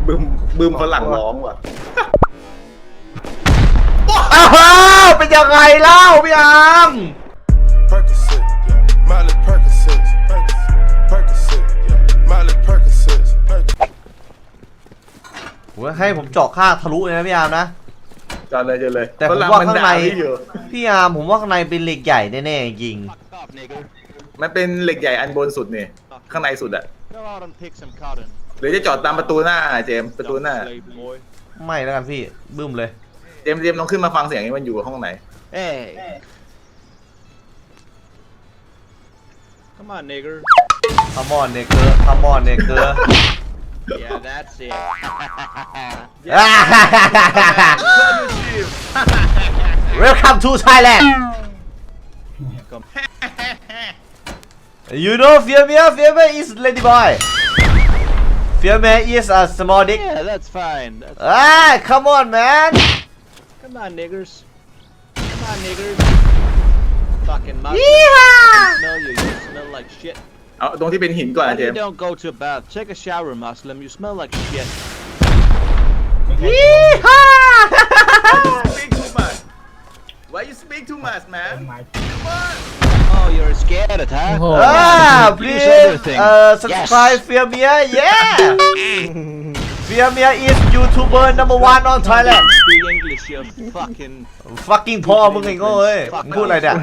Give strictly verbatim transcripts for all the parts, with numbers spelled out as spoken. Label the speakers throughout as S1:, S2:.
S1: บึมบึมฝรั่งร้องว่ะ
S2: อ้าวเป็นยังไงเล่าพี่อาร์มผมให้ผมเจาะค่าทะลุเลยนะพี่อาร์มนะ
S1: จอดเลยจอดเลย
S2: แต่ผมว่าข้างในพี่อาร์มผมว่าข้างในเป็นเหล็กใหญ่แน่ๆจริง
S1: มันเป็นเหล็กใหญ่อันบนสุดเนี่ยข้างในสุดอะหรือจะจอดตามประตูหน้าเจมประตูหน้า
S2: ไม่แล้วกันพี่บึ้มเลย
S1: เจมเจมลองขึ้นมาฟังเสียงนี้มันอยู่ห้องไหน
S3: เอ้ Come on nigger
S2: Come on nigger Come on nigger
S3: Yeah that's it
S2: Welcome to Thailand You know Firmia Firmia is lady boy Firmia is a small dick
S3: Yeah that's fine that's
S2: Ah come on man
S3: Come on niggers Come on niggers Fucking Muslim smell you you smell like shit
S1: เอาตรงที่เป็นหินก่อนนะเจม
S3: You don't go to a bath take a shower Muslim you smell like shit
S1: Speak too much Why you speak too much man
S3: Oh you're scared huh
S2: Ah please uh subscribe Firmia yeah Firmia is YouTuber number one on Thailand
S3: Speak English you fucking
S2: fucking พ่อมึงไงโง่เอ้ยพูดอะไรเนี่ย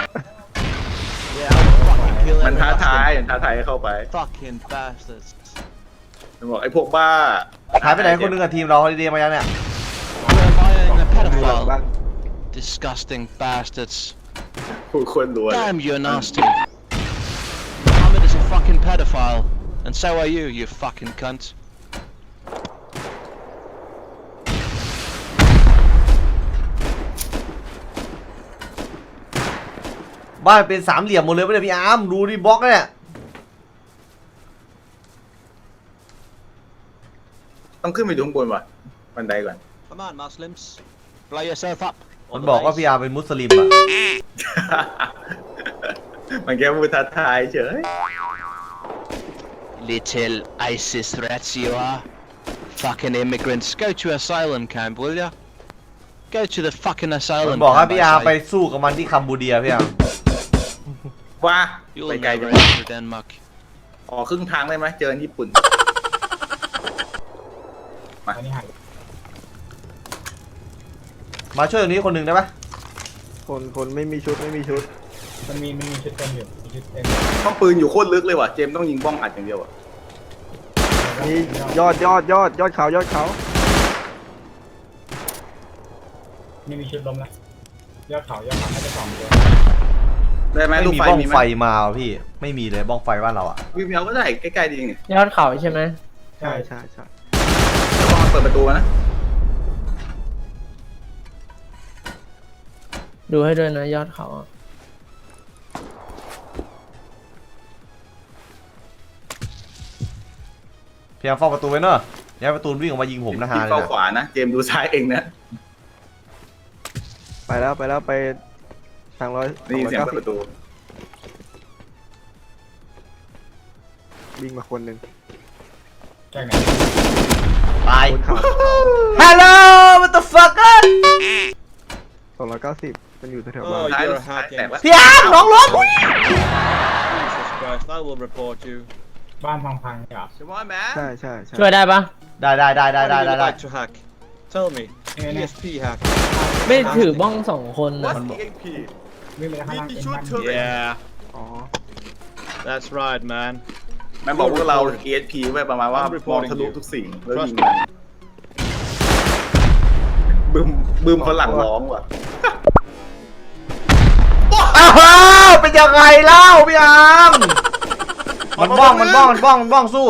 S1: มันท้าทายมันท้าทายให้เข้าไป
S3: Fucking bastards
S1: มันบอกไอ้พวกบ้า
S2: หายไปไหนคนนึงกับทีมเราฮอลิเดย์มายังเนี่ย
S3: You're buying a pedophile Disgusting bastards
S1: ผู้คนรวย
S3: Damn you're nasty Mohammed is a fucking pedophile and so are you you fucking cunt
S2: บ้านเป็นสามเหลี่ยมหมดเลยไม่ได้พี่อาร์มดูดิบล็อกเนี่ย
S1: ต้องขึ้นไปดูข้างบนว่ะบันไดก่อน
S3: Come on Muslims blow yourself up
S2: มันบอกว่าพี่อาร์มเป็นมุสลิมอ่ะ
S1: มันแค่พูดท้าทายเฉย
S3: Little ISIS threats you are Fucking immigrants go to asylum camp will ya Go to the fucking
S2: มัน
S3: asylum
S2: บอกให้
S3: camp
S2: พี่อาร์มไปสู้กับมันที่คัมบูเดียพี่อาร์ม
S1: ว่า
S3: You'll
S1: ไปไกลจั
S3: never
S1: ง
S3: enter Denmark
S1: อ๋อครึ่งทางได้ไหมเจอญี่ปุ่นมา
S2: มาช่วยตรงนี้คนหนึ่งได้ปะ
S4: คนคนไม่มีชุดไม่มีชุด
S5: มันมีมันมีชุดเต็มอยู่มีชุดเต็ม
S1: ห้องปืนอยู่โคตรลึกเลยว่ะเจมต้องยิงบ้องอัดอย่างเดียวอ่ะ
S4: นี่ยอดยอดยอดยอดเขายอดเขา
S5: นี่มีชุดลมนะยอดเขายอดเขาน่าจะสองตัว
S1: ได้ไหม
S2: ไม่
S1: ลูก
S2: มี
S1: ไฟ
S2: บ้อง
S1: มีไหม
S2: ไฟมาว่ะพี่ไม่มีเลยบ้องไฟบ้านเราอ่ะ
S1: วิวเมียวก็ได้ใกล้ๆดีนี่
S6: ยอดเขาใช่ไหม
S4: ใช่ใช่ใช่
S1: แล้วก็เปิดประตูนะ
S6: ดูให้ด้วยนะยอดเขาอะ
S2: พี่อาร์มเฝ้าประตูไว้เนอะย้ายประตูวิ่งออกมายิงผมนะฮะ
S1: ที่เข้าขวานะเจมดูซ้ายเองนะ
S4: ไปแล้วไปแล้วไปทางร้อย
S1: นี่เสียงเปิดประตู
S4: วิ่งมาคนหนึ่ง
S5: จากไหน
S2: ตาย
S4: บนเขา
S2: Hello what the fuck
S4: สองร้อยเก้าสิบมันอยู่แถวๆบ้าน
S1: ซ้ายซ้ายแตกวะ
S2: พี่อาร์มน้องรถ
S3: Jesus Christ I will report you
S5: บ้านพังๆเนี่ย
S1: ใช่ไหมแม
S4: ใช่ใช่ใช่
S6: ช่วยได้ปะ
S2: ได้ได้ได้ได้
S3: What
S2: ได้
S3: would
S2: ได้
S3: you
S2: ได้
S3: like to hack Tell me
S5: เอ้ย
S3: E
S5: เนี่ย
S3: S P hack
S6: ไม่ถือบ้องสองคนนะ
S1: What's E X P
S5: วิ่งไปข้างล่างเป็นบ้าน
S3: Yeah
S4: อ๋อ
S3: That's right man
S1: มันบอกพวกเรา E S P ไว้ประมาณว่ามองทะลุทุกสิ่งแล้วยิงมันบึมบึมฝรั่งร้องว่ะ
S2: อ้าวเป็นยังไงเล่าพี่อาร์มมันบ้องมันบ้องมันบ้องมันบ้องสู้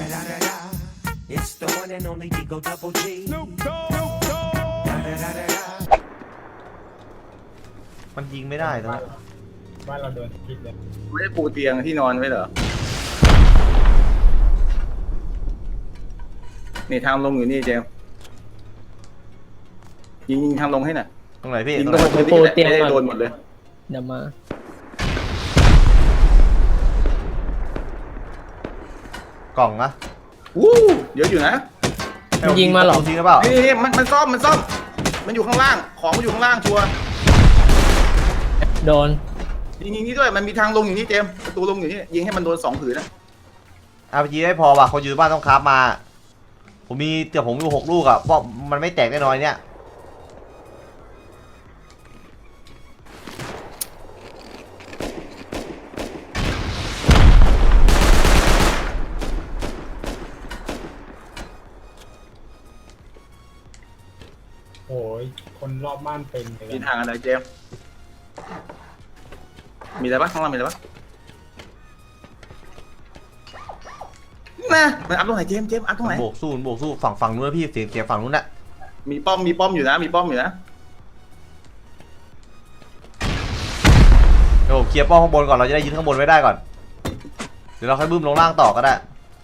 S2: มันยิงไม่ได้ตอนนี้
S5: บ้านเราโดนพิษเลย
S1: ไม่ได้ปูเตียงที่นอนไว้เหรอนี่ทางลงอยู่นี่เจมยิงยิงทางลงให้หน่อย
S2: ตรงไหนพี่
S1: ยิง
S2: ตรง
S1: ตรง
S2: ไหน
S1: พื้นที่ไม่ได้โดนหมดเลย
S6: เดี๋ยวมา
S2: กล่องนะ
S1: วู้เยอะอยู่นะ
S6: มันยิงมาเหรอ
S2: ทิ้งหรือเปล่า
S1: นี่นี่มันมันซ่อมมันซ่อม มันอยู่ข้างล่างของมันอยู่ข้างล่างชัวร์
S6: โดน
S1: ยิงยิงนี่ด้วยมันมีทางลงอยู่นี่เจมส์ประตูลงอยู่นี่ยิงให้มันโดนสองผืนนะ
S2: อาร์พีจีไม่พอว่ะคนอยู่บ้านต้องคราฟมา ผมมีแต่ผมอยู่หกลูกอ่ะเพราะมันไม่แตกแน่นอนเนี่ย
S5: โอ้ยคนรอบบ้านเต็มเลย
S1: มีทางอะไรเจมส์มีอะไรปะข้างล่างมีอะไรปะน่ะมันอัพตรงไหนเจมส์เจมส์อัพตรงไหน
S2: โบกสู้โบกสู้ฝั่งฝั่งนู้นนะพี่เสียงเสียงฝั่งนู้นน่ะ
S1: มีป้อมมีป้อมอยู่นะมีป้อมอยู่นะ
S2: เดี๋ยวผมเคลียร์ป้อมข้างบนก่อนเราจะได้ยืนข้างบนไว้ได้ก่อนเดี๋ยวเราค่อยบึ้มลงล่างต่อก็ได้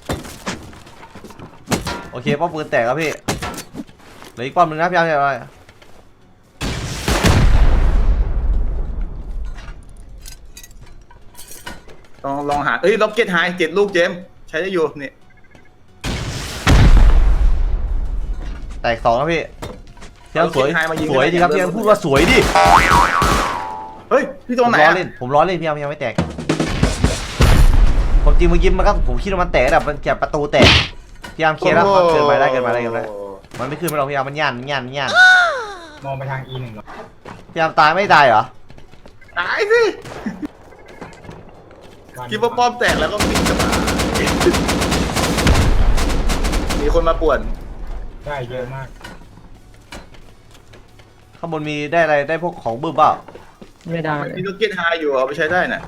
S2: โอเคป้อมปืนแตกแล้วพี่เหลืออีกป้อมหนึ่งนะพี่อาร์อะไร
S1: ลองลองหาเอ้ยล็อกเก็ตไฮเจ็ดลูกเจมส์ใช้ได้อยู่นี่
S2: แตกสองแล้วพี่พี่อาร์สวย
S1: เอา Rocket High มายิง
S2: สวยดีครับ
S1: ได้
S2: พี่อาร์พูดว่าสวยดิ
S1: เฮ้ยพี่ต
S2: ผ
S1: รง
S2: ม
S1: ไหน
S2: ล้อ
S1: อะ
S2: เล่นผมล้อเล่นพี่อาร์ยังไม่แตกผมจริงเมื่อกี้มันก็ผมคิดว่ามันแตกแบบมันแกประตูแตกพี่อาร์เคลียร์แล้วเกินไปได้เกินไปได้เกินไปได้มันไม่ขึ้นไปหรอกพี่อาร์มันย่านมันย่านมันย่าน
S5: มองไปทาง อี หนึ่งเหรอ
S2: พี่อาร์ตายไม่ตายเหรอ
S1: ตายสิคิดว่าป้อมแตกแล้วก็วิ่งกลับมามีคนมาป่วน
S5: ได้เยอะมาก
S2: ข้างบนมีได้อะไรได้พวกของบึ้มเปล่า
S6: ไม่ได้
S1: มีล็อกเก็ตไฮอยู่เอาไปใช้ได้น่ะ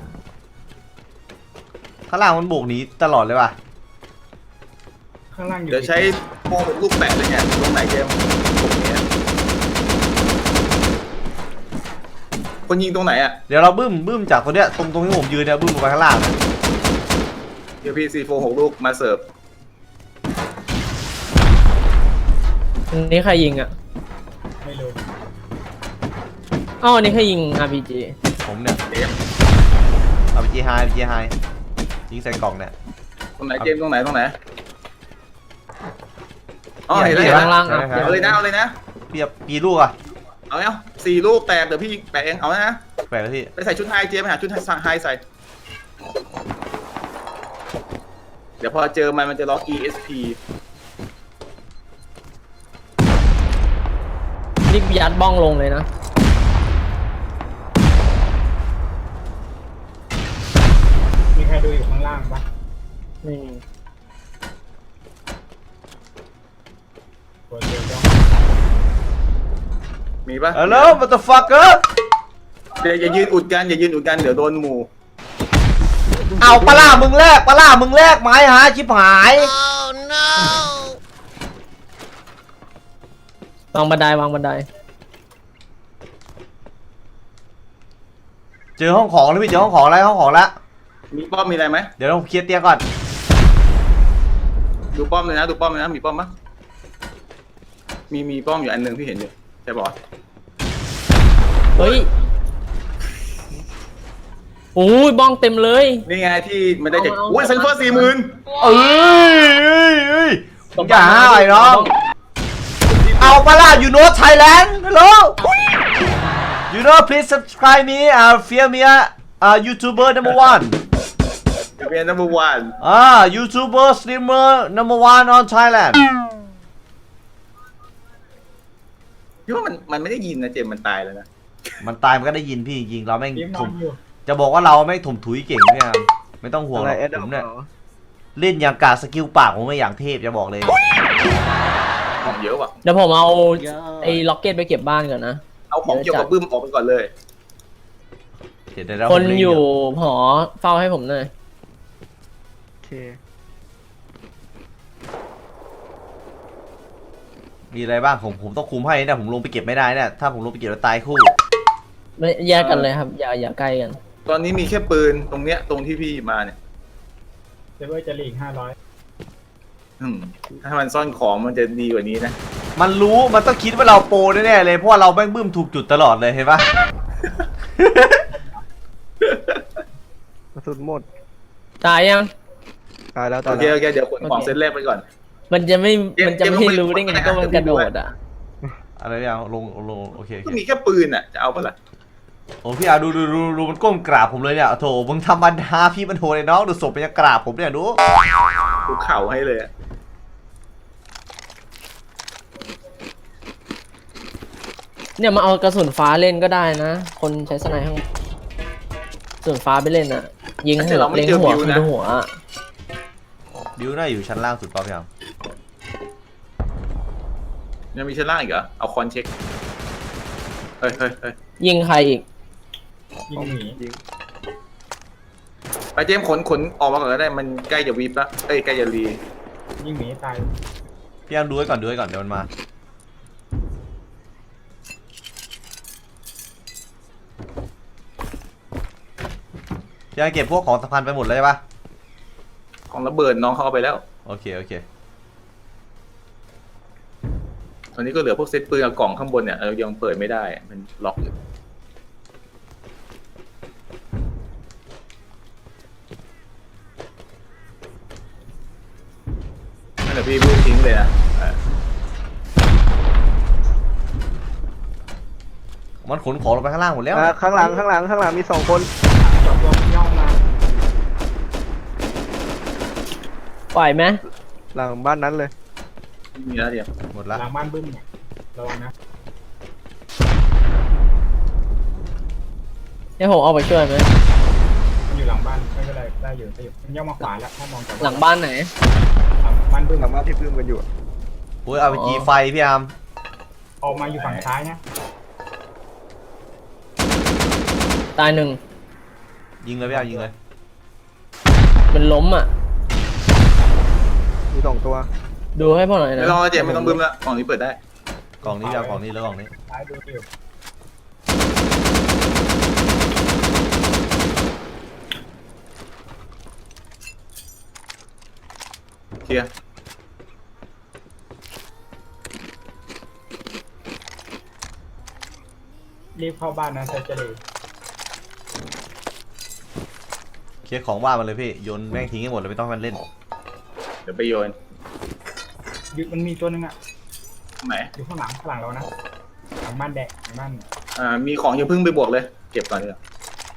S2: ข้างล่างมันโบกหนีตลอดเลยว่ะ
S5: ข้างล่างอยู่
S1: เดี๋ยวใช้โม่ลูกแปะเลยเนี่ยตรงไหนเจมส์ตรงนี้คนยิงตรงไหนอ่ะ
S2: เดี๋ยวเราบึ้มบึ้มจากตรงเนี้ยตรงตรงที่ผมยืนเนี่ยบึ้มลงไปข้างล่างนะ
S1: เดี๋ยวพี่ซีโฟหกลูกมาเสิร์ฟ
S6: อันนี้ใครยิงอ่ะ
S5: ไม่รู้
S6: อ้าวอันนี้ใครยิง อาร์ พี จี
S2: ผมเนี่ย
S1: เจมส์
S2: เอาไปจีไฮไปจีไฮยิงใส่กล่องเนี่ย
S1: ตรงไหนเจมส์ตรงไหนตรงไหนอ๋อเห็นแล้ว
S2: เห็
S1: เห็น
S2: น
S1: แล้ว
S6: ล่างๆอ่ะ
S1: เอาเลยนะเอาเลยนะ
S2: พี่จะปีลูกอะ
S1: เอาเอาสี่ลูกแตกเดี๋ยวพี่แปะเองเอานะ
S2: แปลกเลยพี่
S1: ไปใส่ชุดไฮเจมส์ไปหาชุดไฮใส่ เดี๋ยวพอเจอมันมันจะล็อก อี เอส พี
S6: รีบยัดบ้องลงเลยนะ
S5: มีใครดูอยู่ข้างล่างปะ
S6: ไม่มี
S5: ตัวเดียวย่อง
S1: มีปะ
S2: ฮัลโหลมัตต์ฟักเกอร์
S1: เดี๋ยวอย่ายืนอุดกันอย่ายืนอุดกันเดี๋ยวโดนหมู่
S2: เอาปลาล่ามึงแรกปลาล่ามึงแรกไม้หาชิบหาย
S6: วางบันไดวางบันได
S2: เจอห้องของแล้วพี่เจอห้องของแล้วห้องของแล้ว
S1: มีป้อมมีอะไรไหม
S2: เดี๋ยวเราเคลียร์เตียงก่อน
S1: ดูป้อมเลยนะดูป้อมเลยนะมีป้อมปะมีมีป้อมอยู่อันหนึงพี่เห็นอยู่ใช่ปะ
S6: เฮ้ยโอ้ยบ้องเต็มเลย
S1: นี่ไงที่มันได้จาก
S6: เอาเอา
S1: โอ้ยเซนเฟอร์สี่หมื่น
S2: เอ้ยเอ้ยเอ้ยมึงอย่าห้าวไอ้น้องเอาปลาล่า you know Thailand hello you know please subscribe me uh fear me uh YouTuber number one
S1: เป็นนัมเบอร์วัน
S2: อ่า YouTuber streamer number one on Thailand
S1: พี่ว่ามันมันไม่ได้ยินนะเจมส์มันตายแล้วนะ
S2: มันตายมันก็ได้ยินพี่จริงๆเราแม่ง
S5: ทีมน
S2: ถ
S5: อ
S2: ม
S5: นอยู่
S2: จะบอกว่าเราแม่งถมถุยเก่งเนี่ยไม่ต้องห่วงหรอกผมเนี่ยเล่นอย่างกาสกิลปากผมไม่อย่างเทพจะบอกเลย
S1: ของเยอะว่ะ
S6: เดี๋ยวผมเอาไอ้ล็อกเก็ตไปเก็บบ้านก่อนนะ
S1: เอาของเกี่ยวกับบึ้มออกไปก่อนเลย
S2: เดี๋ยวเดี๋ยวเรา
S6: คน
S2: ผมเล่
S6: อยู่หอเฝ้าให้ผมหน่อย
S4: โอเค
S2: มีอะไรบ้างผมผมต้องคุมให้เนี่ยผมลงไปเก็บไม่ได้เนี่ยถ้าผมลงไปเก็บแล้วตายคู่
S6: ไม่แยกกันเลยครับ อย่าอย่าใกล้กัน
S1: ตอนนี้มีแค่ปืนตรงเนี้ยตรงที่พี่มาเนี่ย
S5: เซเวอร์จะหลีกห้าร้อย
S1: อืมถ้ามันซ่อนของมันจะดีกว่านี้นะ
S2: มันรู้มันต้องคิดว่าเราโปรแน่ๆเลยเพราะว่าเราแม่งบึ้มถูกจุดตลอดเลยเห็นปะ
S4: กระสุนหมด
S6: ตายยัง
S4: ตายแล้วตา
S1: โอย เค
S4: แล้ว
S1: โอเคเดี๋ยวขนของ
S6: โอเค
S1: เซตแรกไปก่อน
S6: มันจะไม่
S1: เจมส์
S6: มันจะ
S1: เจมส์
S6: ไม่
S1: ลงไป
S6: รู้ได้ไง
S1: ลงไป
S6: ก็มัน
S1: หา
S6: กระโดดอ่ะ
S2: อะไรพี่อาร์มลงลงโอเคโอ
S1: ก็
S2: เค
S1: มีแค่ปืนอ่ะจะเอาปะล่ะ
S2: โอ้พี่อาร์ดูดูดูดูมันก้มกราบผมเลยเนี่ยโถมึงทำบันดาพี่มันโหดเลยน้องดูศพมันยังกราบผมเนี่ยดู
S1: กูเข่าให้เลยอะ
S6: เนี่ยมาเอากระสุนฟ้าเล่นก็ได้นะ คนใช้สไนข้างกระสุนฟ้าไปเล่นอ่ะ ยิงหัวเล็งหัวคือหัวอะ
S2: บิวน่าอยู่ชั้นล่างสุดป่ะพี่อาร์ม
S1: ยังมีชั้นล่างอีกเหรอเอาคอนเช็คเฮ้ยเฮ้ยเฮ้ย
S6: ยิงใครอีก
S5: ยิงหนี
S4: ยิง
S1: ไปเจมส์ขนขนออกมาก่อนก็ได้มันใกล้จะวีบละเอ้ยใกล้จะรี
S5: ยิงหนีตาย
S2: พี่อาร์มดูไว้ก่อนดูไว้ก่อนเดี๋ยวมันมาพี่อาร์มเก็บพวกของสำคัญไปหมดเลยใช่ปะ
S1: ของระเบิดน้องเขาเอาไปแล้ว
S2: โอเคโอเค
S1: ตอนนี้ก็เหลือพวกเซตปืนกับกล่องข้างบนเนี่ยเรายังเปิดไม่ได้มันล็อกอยู่นั่นแหละพี่พูดทิ้งเลยนะเออ
S2: มันขนของลงไปข้างล่างหมดแล้ว
S4: อ่าข้างหลังข้างหลังข้างหลังมีสองคน
S5: สองตัวย่องมา
S6: ปล่อยไหม
S4: หลังบ้านนั้นเลย
S1: ไม่มีแล้วเดียว
S2: หมดละ
S5: หลังบ้านบึ้มเนี่ยระวังนะ
S6: ให้ผมเอาไปช่วยไหม
S5: มันอยู่หลังบ้านไม่เป็นไรได้อยู่ได้อยู่มันย่องมาขวาแล้วถ้ามองจาก
S6: หลังบ้านไหน
S5: หลังบ้านบึ้ม
S4: หลังบ้านที่พึ่งกันอยู่
S2: โอ้ยเอาไปจีไฟพี่อาร์ม
S5: ออกมาอยู่ฝั่งซ้ายนะ
S6: ตายหนึ่ง
S2: ยิงเลยพี่อาร์มยิงเลย
S6: มันล้มอ่ะ
S4: มีสองตัว
S6: ดูให้พ่อหน่อยนะ
S1: ไม่ต้องแล้วเจมส์ไม่ต้องบึ้มแล้วกล่องนี้เปิดได้
S2: กล่องนี้พี่อาร์มกล่องนี้แล้วกล่องนี้
S5: ซ้ายดูอยู่
S1: เคลียร์
S5: รีบเข้าบ้านนะเซอร์เจอรี่
S2: เคลียร์ของว่างมันเลยพี่โยนแม่งทิ้งให้หมดเลยไม่ต้องให้มันเล่น
S1: เดี๋ยวไปโยน
S5: อยู่มันมีตัวหนึงอ่ะ
S1: ไหน
S5: อยู่ข้างหลังข้างหลังเรานะหลังบ้านแดกหลังบ้าน
S1: อ่ามีของอย่าเพิ่งไปบวกเลยเก็บก่อนดีกว่าม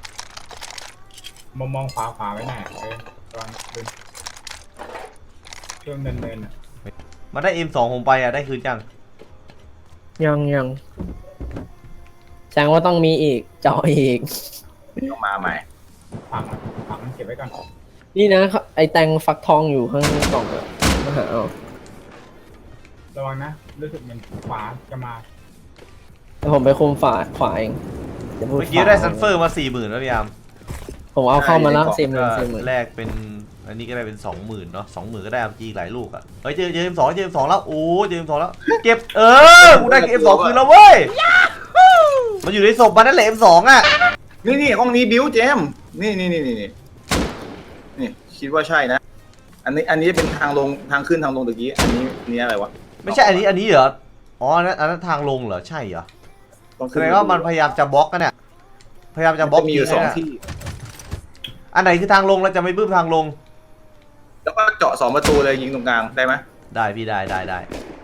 S5: องมองขวาขวาไว้หน่อยเออระวังเดินช่วงเดินเดินอ่ะ
S2: มาได้ เอ็ม สองผมไปอ่ะได้คืนยัง
S6: ยังยังแสดงว่าต้องมีอีกเจาะอีก
S1: ต้องมาใหม่
S5: ฝังฝังเก็บไว้ก่อน
S6: นี่นะไอแตงฟักทองอยู่ข้างกล่องอะมาหาเอา
S5: ระวังนะรู้สึกเหมือนขวาจะมา
S6: แต่ผมไปคุมฝาขวาเองดี๋ยวพู
S2: เมื่อกี้ได้ซันเฟอร์มาสี่หมื่นแล้วพี่อาร์ม
S6: ผมเอาเข้ามาแล้วสี่หมื่
S2: ก็
S6: นสี่หมื่น
S2: แลกเป็นอันนี้ก็ได้เป็นสองหมื่นเนาะสองหมื่นก็ได้อาร์จีหลายลูกอ่ะเฮ้ยเจอเจอ เอ็ม สองเจอ เอ็ม สองแล้วโอ้เจอ เอ็ม สองแล้วเก็บเออกูได้ เอ็ม สองคืนแล้วเว้ยมันอยู่ในศพมันนั่นแหละ เอ็ม สองอ่ะ
S1: นี่นี่ห้องนี้บิวเจมส์นี่นี่นี่นี่นี่นี่คิดว่าใช่นะ อันนี้อันนี้เป็นทางลงทางขึ้นทางลงตะกี้อันนี้อันนี้อะไรวะ
S2: ไม่ใช่อันนี้อันนี้เหรออ๋ออันนั้นอันนั้นทางลงเหรอใช่เหรอ
S1: ต้อง
S2: แส
S1: ขึ้น
S2: ดงว่ามันพยายามจะบล็อกกันเนี่ยพยายามจะบล็อก
S1: จะมีอยู่สอง
S2: ที
S1: ที่
S2: อันไหนคือทางลงเราจะไม่บื้มทางลง
S1: แล้วก็เจาะสองประตูเลยยิงตรงกลางได้ไหม
S2: ได้พี่ได้ได้ได้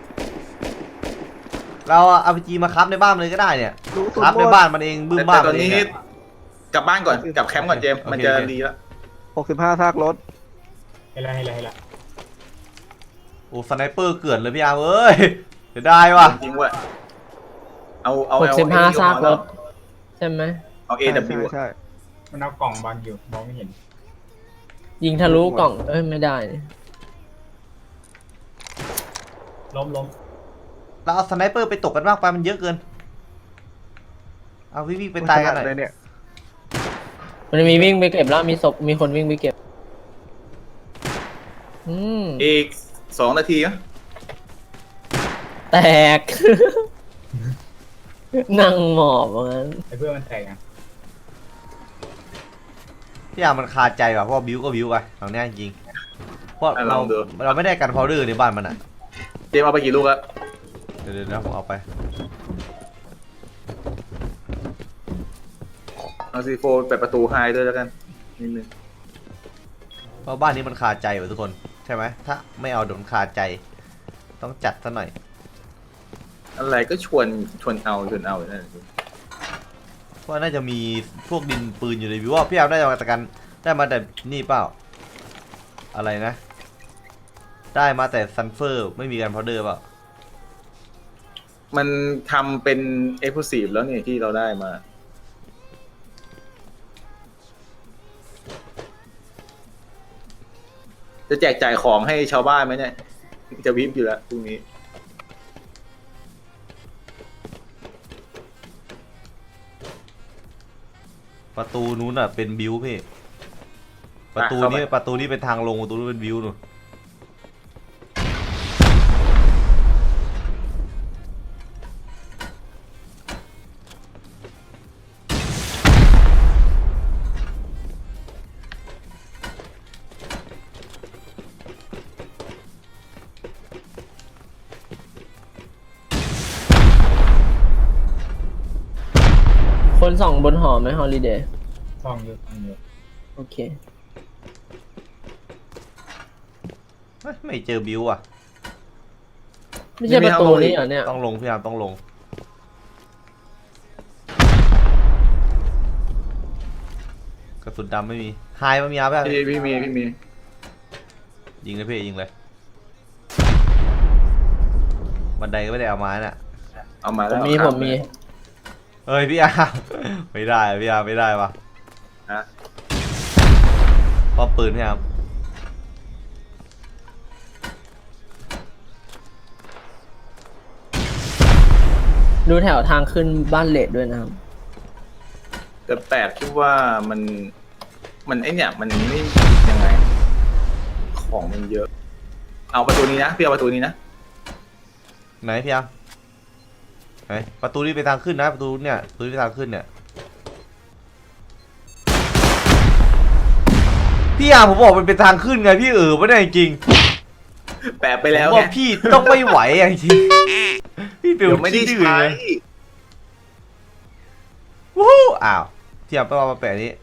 S2: เราเอาไปจีมาคับในบ้านมันเลยก็ได้เนี่ย
S4: รู้สุด
S2: คับ
S4: หม
S2: ใน
S4: ด
S2: บ้านมันเองบื้
S1: แต่
S2: ม
S1: แต่
S2: บ้าน
S1: ต
S2: มั
S1: อน
S2: นเอ
S1: นี้
S2: งอะ
S1: กลับบ้านก่อนกลับแคมป์ก่อนเจมส์
S2: โอเค
S1: มันจะ
S2: โอเค
S1: ดีแล้ว
S4: หกสิบห้าซากรถ
S5: เห็นแล้วเห็นแล้วเห็นแล้ว
S2: โอ้สไนเปอร์เกลื่อนเลยพี่อาร์มเอ้ยเสียดายว่ะ
S1: จริงเว้ยเอาเอา
S6: หก
S1: เอา
S6: สิบห้า
S1: เอา
S6: ซากรถใช่ไหม
S1: เอา เอ
S4: ใช่
S1: ดับ
S4: ใช่
S1: บิว
S4: ใช่
S5: มันเอากล่องบางอยู่มองไม่เห็น
S6: ยิงทะลุกล่องเอ้ยไม่ได้นี่
S5: ล้มล้ม
S2: เราเอาสไนเปอร์ไปตกกันมากไปมันเยอะเกินเอาวิ่งวิ่งไปตายกันหน่อย
S4: เลยเนี่ย
S6: มันมีวิ่งไปเก็บแล้วมีศพมีคนวิ่งไปเก็บอืม
S1: อีกสองนาทีนะ
S6: แตก นั่งหมอบว่างั้น
S5: ไอ้เพื่อนมันแตกอ่ะ
S2: พี่อาร์มมันคาใจว่ะเพราะว่าบิวก็บิวไปตรงเนี้ยจริงเพราะเราเราไม่ได้กันพาวเดอร์ในบ้านมันอ่ะ
S1: เจมส์เอาไปกี่ลูกแล้ว
S2: เดี๋ยวเดี๋ยวนะผมเอาไป
S1: เอาซีโฟเปิดประตูไฮด้วยแล้วกันนิดนึง
S2: เพราะบ้านนี้มันคาใจว่ะทุกคนใช่ไหมถ้าไม่เอาโดนคาใจต้องจัดซะหน่อย
S1: อะไรก็ชวนชวนเอาชวนเอานั่นแหละ
S2: เพราะน่าจะมีพวกดินปืนอยู่ในวิวว่าพี่อาร์มได้มาแต่กันได้มาแต่นี่เปล่าอะไรนะ ได้มาแต่ซันเฟอร์ไม่มีการพาวเดอร์เปล่า
S1: มันทำเป็นเอ็กซ์คลูซีฟแล้วนี่ที่เราได้มา จะแจกจ่ายของให้ชาวบ้านไหมเนี่ย จะวิบอยู่แล้วพรุ่งนี้
S2: ประตูนู้นอ่ะเป็นบิวพี่ประตูนี้ประตูนี้เป็นทางลงประตูนู้นเป็นบิวนู่น
S6: คนส่องบนหอไหมฮอลิเดย์
S5: ซองเยอะซองเยอะ
S6: โอเค
S2: เฮ้ยไม่เจอบิวอ่ะ
S6: ไม่ใช่ประตูนี้เหรอเนี่ย
S2: ต้องลงพี่อาร์มต้องลงกระสุนดำไม่มีไฮมันมีอาร์มป่ะ
S1: พี่พี่มีพี่มี
S2: ยิงเลยพี่ยิงเลยบันไดก็ไม่ได้เอามาน่ะ
S1: เอามา
S6: ผ
S1: แล้ว
S6: มมีผมมี
S2: เฮ้ยพี่อาร์ม ไม่ได้พี่อาร์มไม่ได้วะ
S1: ฮะ
S2: ป้อมปืนพี่อาร์ม
S6: ดูแถวทางขึ้นบ้านเลดด้วยนะครับ
S1: แต่แปลกที่ว่ามันมันไอเนี่ยมันไม่ยังไง ของมันเยอะ เอาประตูนี้นะพี่เอาประตูนี้นะ
S2: ไหนพี่อาร์มไหนประตูนี้ไปทางขึ้นนะประตูเนี่ยประตูนี้ไปทางขึ้นเนี่ยพี่อาร์มผมบอกมันเป็นทางขึ้นไงพี่เออไม่ได้จริง
S1: แปลไป
S2: ๆ
S1: แล้ว
S2: ผม
S1: ไง
S2: ว่าพี่ต้องไม่ไหวอะจริงๆพี่เป็น
S1: เดี๋ยวไม่ได้
S2: ขี้ดื้อ
S1: ใช้
S2: เลยวู้อ้าวพี่อาร์มไปเอามาแปะนี้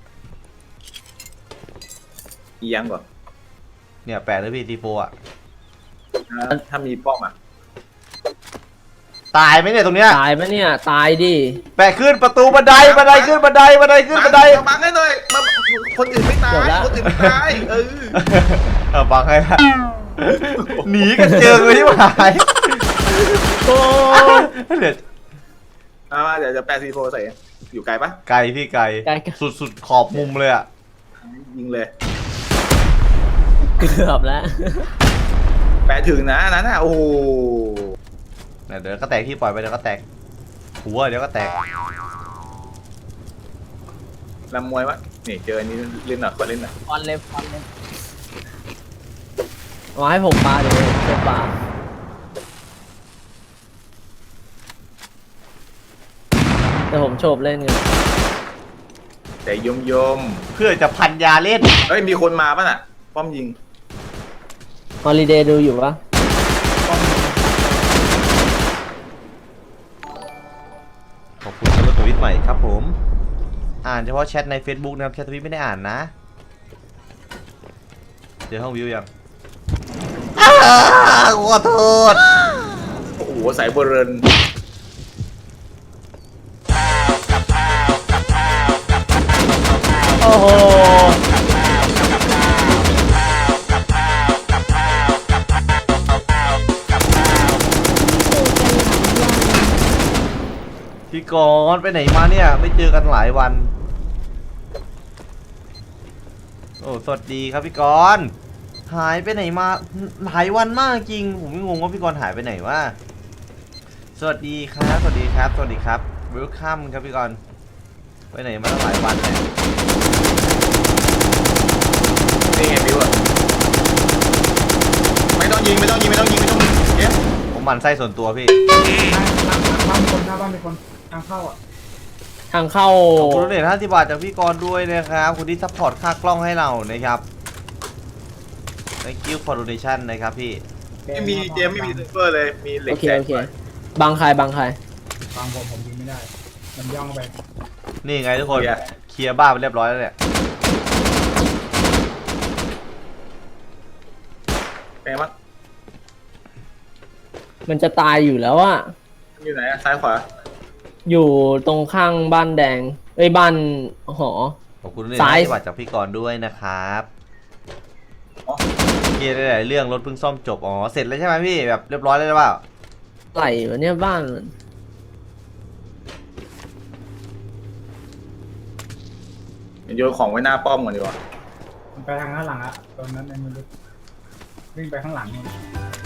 S1: อียังก่อน
S2: เนี่ยแปะเลยพี่ทีโฟอ่ะ
S1: ถ้ามีป้อมอ่ะ
S2: ตายไหมเนี่ยตรงเนี้ย
S6: ตายปะเนี่ย ตายดิ
S2: แปะขึ้นประตูบันไดบันไดขึ้นบันไดบันไดขึ้นบันได
S1: มาบังให้หน่อยมาคนอื่นไม่ตายคนอื่นไม่ตายเออ
S2: เออบังให้ละหนีกันเจอเลยที่หาย
S6: โอ้
S2: เดี๋ยว
S1: เอามาเดี๋ยวจะแปดซีโฟใส่อยู่ไกลปะ
S2: ไกลพี่ไกล
S6: ไกลกัน
S2: สุดสุดขอบมุมเลยอ่ะ
S1: ยิงเลย
S6: เกือบแล้ว
S1: แปดถึงนะอันนั้นน่ะโอ้โห
S2: เนี่ยเดี๋ยวก็แตกพี่ปล่อยไปเดี๋ยวก็แตกหัวเดี๋ยวก็แตก
S1: ลำมวยวะนี่เจออันนี้เล่นหน่อยขอเล่นหน่อย
S6: ฟอนเลยฟอนเลยเอาให้ผมปาเดี๋ยวผมจะปาแต่ผมโฉบเล่นไง
S1: แต่ยมยม
S2: เพื่อจะพันยาเล่น
S1: เฮ้ยมีคนมาป่ะน่ะป้อมยิง
S6: ฮอลิเดย์ดูอยู่ปะ
S2: ขอบคุณสำหรับทวิตใหม่ครับผม อ่านเฉพาะแชทใน Facebook นะครับแชททวิตไม่ได้อ่านนะเจอห้องวิวยังอ้าวขอโทษ
S1: โอ้โหสายโบเรน
S6: โอ้โห
S2: พี่กรณ์ไปไหนมาเนี่ยไม่เจอกันหลายวันโอ้สวัสดีครับพี่กรณ์หายไปไหนมาหลายวันมากจริงผมงงว่าพี่กรณ์หายไปไหนวะสวัสดีครับสวัสดีครับสวัสดีครับเวลคัมครับพี่กรณ์ไปไหนมาตั้งหลายวันเลย
S1: นี่ไงบิวอะไม่ต้องยิงไม่ต้องยิงไม่ต้องยิงไม่ต้องยิงเดี๋ยว
S2: ผมหมั่นไส้ส่วนตัวพี่
S5: บ้านมีคนหน้าบ้านมีคนทางเข้าอ่ะ
S6: ทางเข้า
S2: ขอบคุณเดชห้าสิบบาทจากพี่กรณ์ด้วยนะครับคุณที่ซัพพอร์ตค่ากล้องให้เรานะครับ thank you for donation นะครับพี่
S1: ไม่มีเจมไม่มีเซฟเฟอร์เลยมีเหล็ก
S6: โอเค
S1: แจก
S6: โอเคบังใครบังใคร
S5: ฟังผมผมยิงไม่ได้ มันย่องไป
S2: นี่ไงทุกคนเคลียร์บ้านไปเรียบร้อยแล้วเนี่ย
S1: แปลว่า
S6: มันจะตายอยู่แล้วอะ
S1: อยู่ไหนอะซ้ายขวา
S6: อยู่ตรงข้างบ้านแดงเอ้ยบ้านหอ
S2: ขอบคุณเลย
S6: ซ้าย
S2: นะที่บัตรจากพี่กรณ์ด้วยนะครับเคลียร์ได้หลายเรื่องรถเพิ่งซ่อมจบอ๋อเสร็จแล้วใช่ไหมพี่แบบเรียบร้อยแล้วหรือเปล่า
S6: ไหลวะเนี่ยบ้านมัน
S1: โยนของไว้หน้าป้อมก่อนดีกว่า
S5: มันไปทางข้างหลังอะตอนนั้นในมือวิ่งไปข้างหลังนู่น